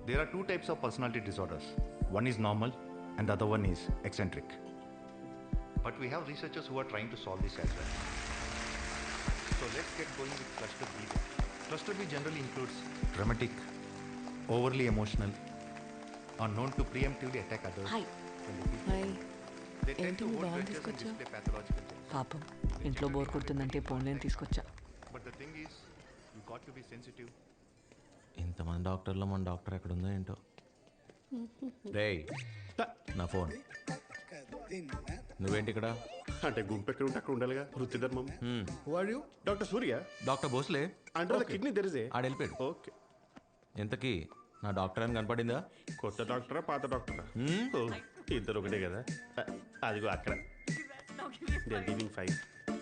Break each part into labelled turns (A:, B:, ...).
A: There are two types of personality disorders. One is normal and the other one is eccentric. But we have researchers who are trying to solve this as well. So let's get going with cluster B then. Cluster B generally includes dramatic, overly emotional, are known to preemptively attack others.
B: Hi.
A: when they feel
B: hi
A: They tend
B: ఏంటి
A: to
B: మీ
A: hold
B: బాగుంది
A: grudges and
B: తీసుకొచ్చా
A: display pathological jealousy.
B: పాపం ఇంట్లో bore కొడుతుందంటే పోన్లేని తీసుకొచ్చా
A: But the thing is, you got to be sensitive.
C: ఇంతమంది డాక్టర్లో మన doctor ఎక్కడ ఉందో ఏంటో. రేయ్ నా ఫోన్. నువ్వేంటి ఇక్కడ?
D: అంటే గుంపు ఎక్కడ ఉంటే అక్కడ ఉండాలిగా వృత్తి ధర్మం. Who are you? Doctor Surya.
C: Doctor Bhosle.
D: Under the kidney there is a.
C: ఆడెళ్ళిపోయాడు.
D: ఓకే.
C: ఇంతకీ నా డాక్టర్ అని కనపడిందా?
D: కొత్త డాక్టరా పాత డాక్టరా? ఇద్దరు ఒకటే కదా. అదిగో అక్కడ they are giving 5.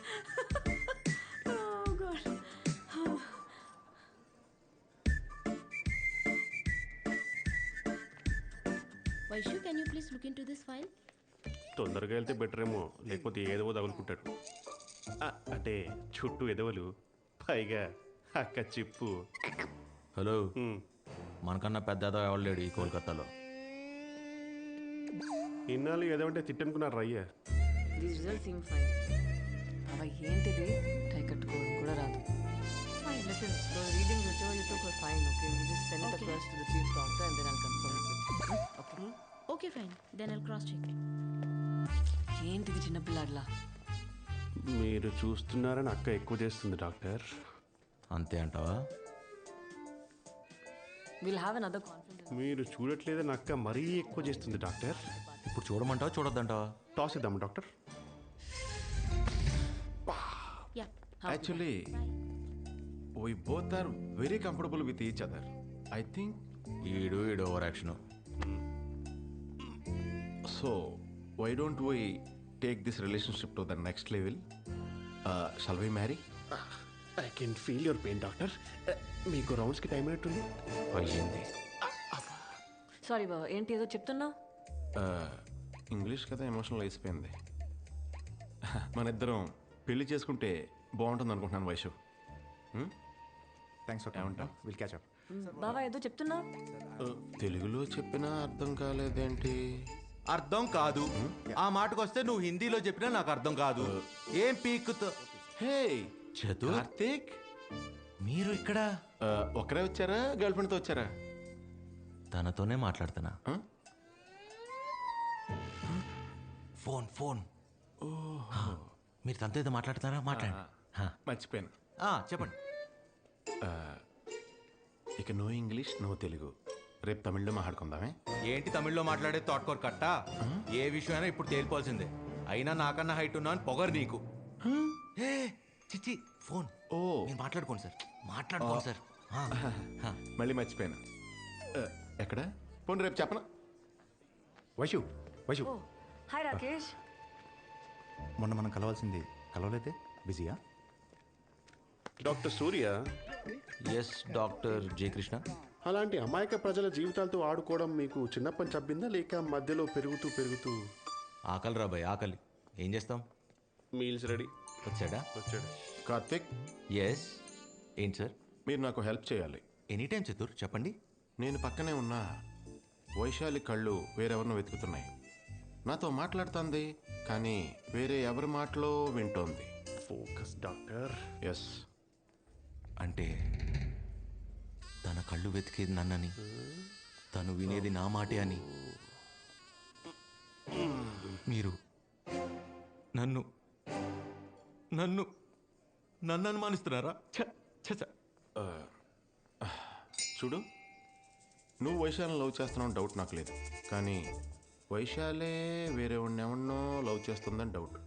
E: Vaishu, can you please look into this file?
D: తొందరగా వెళ్తే బెటర్ ఏమో, లేకపోతే ఏదో తగులుకుంటాడు. అంటే చుట్టూ ఎదవలు, పైగా అక్క చిప్పు.
C: హలో, మనకన్నా పెద్ద ఎవరు లేడు ఈ కోల్కతాలో.
D: ఇన్నాళ్ళు ఏదంటే తిట్టనుకున్నారు అయ్యా.
B: అవి ఏంటిది టై కట్టుకోవడం కూడా రాదు. Listen, the readings whichever you took were fine, okay? You just send it across to the chief doctor and then I'll confirm it with you. Okay?
E: Okay, fine. Then I'll cross-check.
B: ఏంటిది చిన్నపిల్లాడ్లా?
D: మీరు చూస్తున్నారని అక్క ఎక్కువ చేస్తుంది doctor.
C: అంతే అంటావా?
B: We'll have another conference.
D: మీరు చూడట్లేదని అక్క మరీ ఎక్కువ చేస్తుంది డాక్టర్.
C: ఇప్పుడు చూడమంటావా చూడొద్దంటావా?
D: టాస్ ఇద్దాము doctor.
E: Yeah.
F: Actually, we both are very comfortable with each other. I think
C: ఈడు over action.
F: so. Why don't we take this relationship to the next level? Shall we marry?
D: I can feel your pain doctor. మీకు రౌండ్స్కి time అయినట్టుంది.
C: అయ్యింది.
B: Sorry బాబా, ఏంటి ఏదో చెప్తున్నా?
F: English కదా emotional అయిపోయింది. మన ఇద్దరం పెళ్లి చేసుకుంటే బాగుంటుంది అనుకుంటున్నాను Vaishu.
A: Thanks for coming. We'll catch up.
B: బాబా ఏదో చెప్తున్నా?
F: తెలుగులో చెప్పినా అర్థం కాలేదేంటి?
C: అర్థం కాదు. ఆ మాటకు వస్తే నువ్వు హిందీలో చెప్పినా నాకు అర్థం కాదు. ఏం పీక్తో?
F: హే
C: చతు,
F: కార్తీక్,
C: మీరు ఇక్కడ
F: ఒకరే వచ్చారా గర్ల్ ఫ్రెండ్తో వచ్చారా?
C: తనతోనే మాట్లాడుతున్నా. Phone phone. మీరు తనతో ఏదో మాట్లాడుతున్నారా? మాట్లాడండి.
F: మర్చిపోయాను.
C: చెప్పండి.
F: ఇక నో ఇంగ్లీష్ నో తెలుగు, రేపు తమిళ్లో మాట్లాడుకుందామే.
C: ఏంటి తమిళ్లో మాట్లాడే తోటకూర కట్ట? ఏ విషయమైనా ఇప్పుడు తేలిపోవాల్సిందే. అయినా నాకన్నా హైట్ ఉన్నా అని పొగరు నీకు. చిచ్చి ఫోన్.
F: ఓ,
C: మీరు మాట్లాడుకోండి సార్, మాట్లాడుకోండి సార్.
F: మళ్ళీ మర్చిపోయాను. ఎక్కడ పోనీ రేపు చెప్పనా?
A: వైషు, వైషు,
B: హాయ్ రాకేష్.
A: మొన్న మనం కలవాల్సింది కలవలేదే? బిజీయా?
D: Doctor Surya,
C: yes doctor J Krishna.
D: అలాంటి అమాయక ప్రజల జీవితాలతో ఆడుకోవడం మీకు చిన్నప్పని చబ్బిందా, లేక మధ్యలో పెరుగుతూ పెరుగుతూ?
C: ఆకలి రాబాయ్, ఆకలి. ఏం చేస్తాం?
D: Meals ready.
C: వచ్చాడా?
D: వచ్చాడు.
F: కార్తీక్,
C: ఎస్. ఏంటి సార్?
F: మీరు నాకు హెల్ప్ చేయాలి.
C: ఎనీ టైం చతుర్, చెప్పండి.
F: నేను పక్కనే ఉన్నా వైశాలి కళ్ళు వేరెవరినో వెతుకుతున్నాయి. నాతో మాట్లాడుతుంది కానీ వేరే ఎవరి మాటలో వింటోంది.
D: Focus doctor.
F: ఎస్.
C: అంటే తన కళ్ళు వెతికేది నన్నని, తను వినేది నా మాటే అని. మీరు నన్ను నన్ను నన్ను అనుమానిస్తున్నారా?
F: చూడు, నువ్వు వైశాలిని లవ్ చేస్తున్నావు డౌట్ నాకు లేదు, కానీ వైశాలే వేరే ఎవరినో లవ్ చేస్తుందని డౌట్.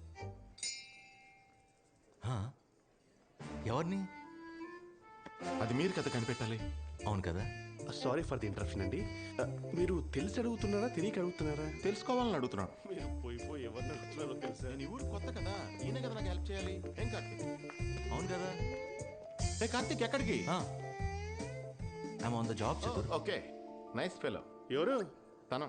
C: ఎవరిని?
F: అది మీరు కదా కనిపెట్టాలి.
C: అవును కదా.
D: సారీ ఫర్ ది ఇంటరప్షన్ అండి. మీరు తెలిసి అడుగుతున్నారా తెలియక అడుగుతున్నారా?
F: తెలుసుకోవాలని అడుగుతున్నాను.
D: మీరు పోయి ఎవరిని అడుగుతున్నారో తెలుసా?
F: నేను ఈ ఊరు కొత్త కదా, ఈయన కదా నాకు హెల్ప్ చేయాలి. ఏం కార్తీక్?
C: అవును కదా.
F: ఏ కార్తీక్, ఎక్కడికి?
C: I'm on the job Chatur.
F: Okay, nice fellow.
D: ఎవరు?
F: తన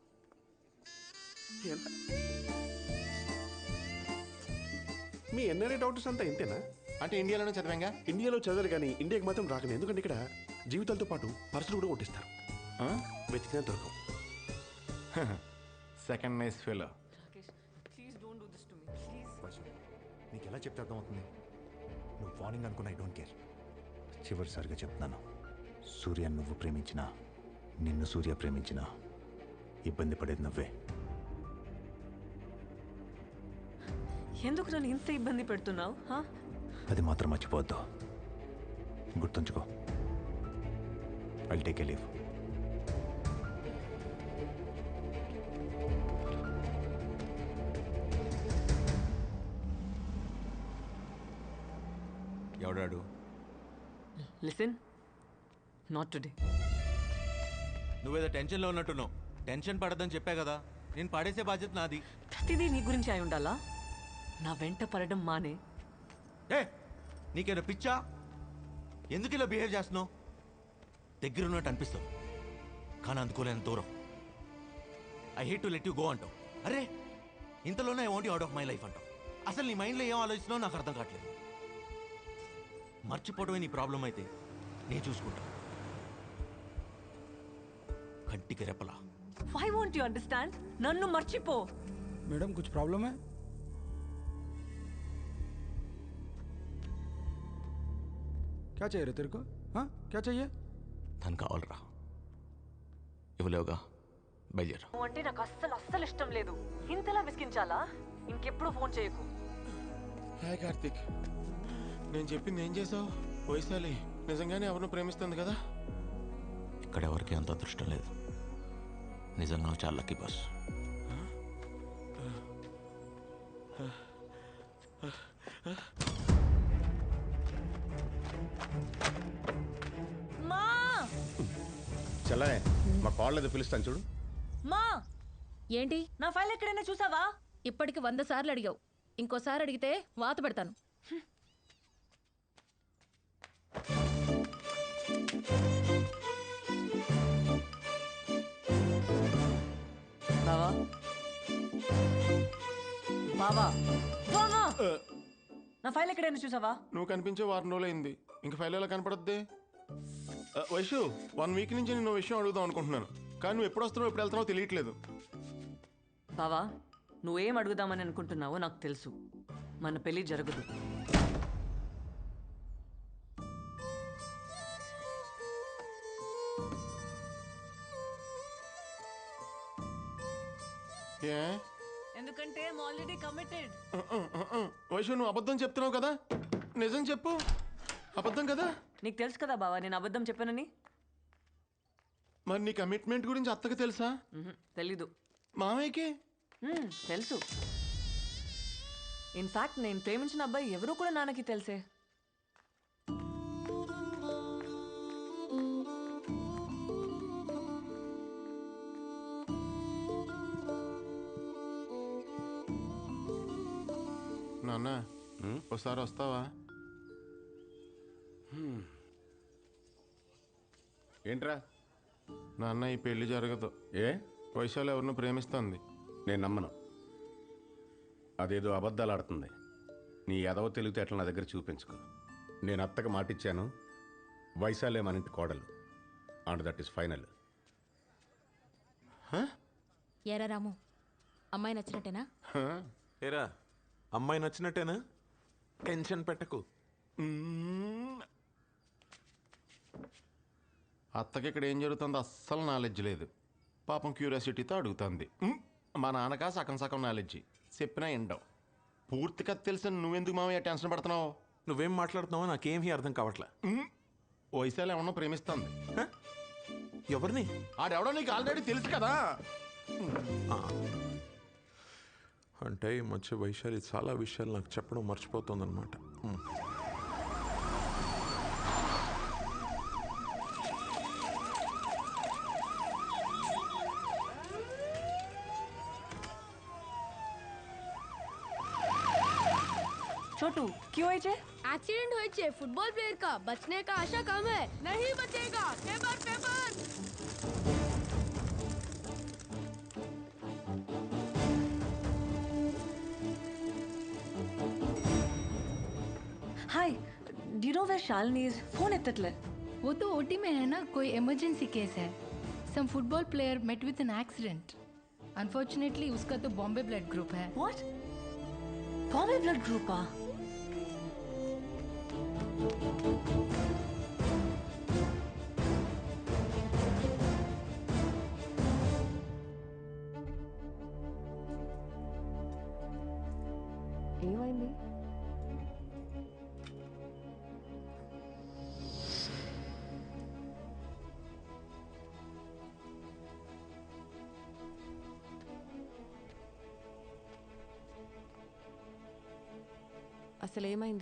D: మీ ఎన్ఆర్ఐ డాక్టర్స్ అంతా ఇంతేనా?
F: అంటే ఇండియాలోనే చదివాంగా.
D: ఇండియాలో చదవరు కానీ ఇండియాకి మాత్రం రాకలేదు. ఎందుకంటే ఇక్కడ జీవితాలతో పాటు పర్సులు కూడా కొట్టిస్తారు. వెతికినా దొరకవు.
F: Second nice fellow.
B: Rakesh please don't do this to me please.
A: Vaishu నీకు ఎలా చెప్తే అర్థమవుతుంది? నువ్వు వార్నింగ్ అనుకున్న ఐ డోంట్ కేర్. చివరిసారిగా చెప్తున్నాను, సూర్య నువ్వు ప్రేమించినా నిన్ను సూర్య ప్రేమించినా ఇబ్బంది పడేది నువ్వే.
B: ఎందుకు నన్ను ఇంత ఇబ్బంది పెడుతున్నావు?
A: అది మాత్రం మర్చిపోవద్దు, గుర్తుంచుకో. I'll take a leave.
C: ఎవడాడు?
B: Listen, not today.
C: నువ్వేదో టెన్షన్లో ఉన్నట్టున్నావు. టెన్షన్ పడద్దని చెప్పా కదా. నేను పడేసే బాధ్యత నాది.
B: ప్రతిదీ నీ గురించి అయి ఉండాలా? నా వెంట పడడం మానే.
C: ఏ నీకేదో పిచ్చా? ఎందుకు ఇలా బిహేవ్ చేస్తున్నావు? దగ్గర ఉన్నట్టు అనిపిస్తావు కానీ అందుకోలేని దూరం. I hate to let you go అంటావు. అరే ఇంతలోనే I want you out of my life అంటావు. అసలు నీ మైండ్లో ఏం ఆలోచిస్తున్నావు నాకు అర్థం కావట్లేదు. మర్చిపోవడమే నీ ప్రాబ్లం అయితే నేను చూసుకుంటా. కంటికి రెప్పలా.
B: Why won't you understand? నన్ను మర్చిపో.
G: मैडम कुछ प्रॉब्लम है? क्या चाहिए रे तेरे को? हाँ क्या चाहिए?
C: తను కావాలరా. ఇవ్వలేవుగా, బయలుదేరా.
B: నువ్వు అంటే నాకు అస్సలు ఇష్టం లేదు. ఇంతలా విసిగించాలా? ఇంకెప్పుడు ఫోన్ చేయకు.
F: హాయ్ కార్తిక్, నేను చెప్పింది ఏం చేసావు? వైశాలి నిజంగానే ఎవరిని ప్రేమిస్తుంది కదా?
C: ఇక్కడ ఎవరికి అంత అదృష్టం లేదు. నిజంగా నువ్వు చాలా లక్కీ బాస్.
B: మా
A: చల్లనే మా కాల్ ఏదో పిలుస్తాను చూడు.
B: మా
E: ఏంటి?
B: నా ఫైల్ ఎక్కడైనా చూసావా?
E: ఇప్పటికి 100 సార్లు అడిగావు. ఇంకోసారి అడిగితే వాత పెడతాను.
B: బావా బావా బావా, నా ఫైల్ ఎక్కడైనా చూసావా?
F: నువ్వు కనిపించే వారం రోజులు అయింది, ఇంక ఫైల్ ఎలా కనపడద్ది? వైషు 1 వీక్ నుంచి నేను విషయం అడుగుదాం అనుకుంటున్నాను, కానీ నువ్వు ఎప్పుడు వస్తున్నావు ఎప్పుడు వెళ్తున్నావు తెలియట్లేదు.
B: బావా నువ్వేం అడుగుదామని అనుకుంటున్నావో నాకు తెలుసు. మన పెళ్లి జరగదు.
F: ఏ
B: ఎందుకంటే ఆల్రెడీ కమిటెడ్.
F: వైషు నువ్వు అబద్ధం చెప్తున్నావు కదా, నిజం చెప్పు. అబద్ధం కదా?
B: నీకు తెలుసు కదా బావా నేను అబద్ధం చెప్పానని.
F: మరి నీ కమిట్మెంట్ గురించి అత్తకు తెలుసా?
B: తెలీదు.
F: మామయ్యకి
B: తెలుసు. ఇన్ఫాక్ట్ నేను ప్రేమించిన అబ్బాయి ఎవరో కూడా నాన్నకి తెలుసే.
F: నాన్న ఒకసారి వస్తావా?
A: ఏంట్రా?
F: నాన్న ఈ పెళ్లి జరగదు.
A: ఏ?
F: వైశాలి ఎవరిని ప్రేమిస్తుంది.
A: నేను నమ్మను. అదేదో అబద్ధాలు ఆడుతుంది. నీ ఎదవ తెలివితేటలు నా దగ్గర చూపించుకో. నేను అత్తకు మాటిచ్చాను, వైశాలే మన ఇంటి కోడలు. And that is final.
E: ఏరా రాము, అమ్మాయి నచ్చినట్టేనా?
H: ఏరా అమ్మాయి నచ్చినట్టేనా? టెన్షన్ పెట్టకు.
F: అత్తకి ఇక్కడ ఏం జరుగుతుందో అస్సలు నాలెడ్జ్ లేదు. పాపం క్యూరియాసిటీతో అడుగుతుంది. మా నాన్నకా సగం సగం నాలెడ్జి, చెప్పినా ఎండవు. పూర్తిగా తెలిసిన నువ్వెందుకు మామయ్య టెన్షన్ పడుతున్నావు?
H: నువ్వేం మాట్లాడుతున్నావో నాకేమీ అర్థం కావట్లే.
F: వైశాలి ఏమన్నా ప్రేమిస్తుంది.
H: హ? ఎవరిని?
F: ఆడెవడో నీకు ఆల్రెడీ తెలుసు కదా.
H: అంటే ఈ మధ్య వైశాలి చాలా విషయాలు నాకు చెప్పడం మర్చిపోతుందన్నమాట.
B: छोटू क्यों आई जे?
I: एक्सीडेंट हुए छे फुटबॉल प्लेयर का बचने का आशा कम है. नहीं बचेगा. Paper paper.
B: Hi, do you know where Shalini is? Phone एत्ततले.
I: वो तो ओटी में है ना, कोई इमरजेंसी केस है.
J: some football player met with an accident. Unfortunately, उसका तो बॉम्बे ब्लड ग्रुप है.
B: What? Bombay blood group ah? ఏమైంది? అసలు ఏమైంది?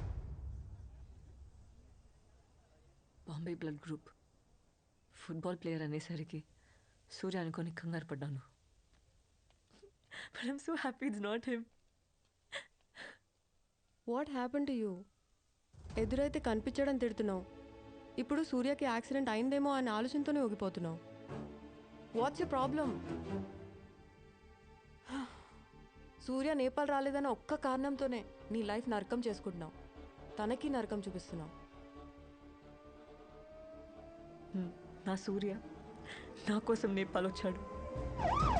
B: Bombay blood group football player అనేసరికి సూర్య అనుకొని కంగారు పడ్డాను. But I'm so happy it's not him.
K: What happen to you? ఎదురైతే కనిపించడం తిడుతున్నావు, ఇప్పుడు సూర్యకి యాక్సిడెంట్ అయిందేమో అనే ఆలోచనతోనే ఊగిపోతున్నావు. What's you problem? Surya Nepal రాలేదన్న ఒక్క కారణంతోనే నీ లైఫ్ నరకం చేసుకుంటున్నావు, తనకి నరకం చూపిస్తున్నావు.
B: నా సూర్య నా కోసం నేపాల్ వచ్చాడు.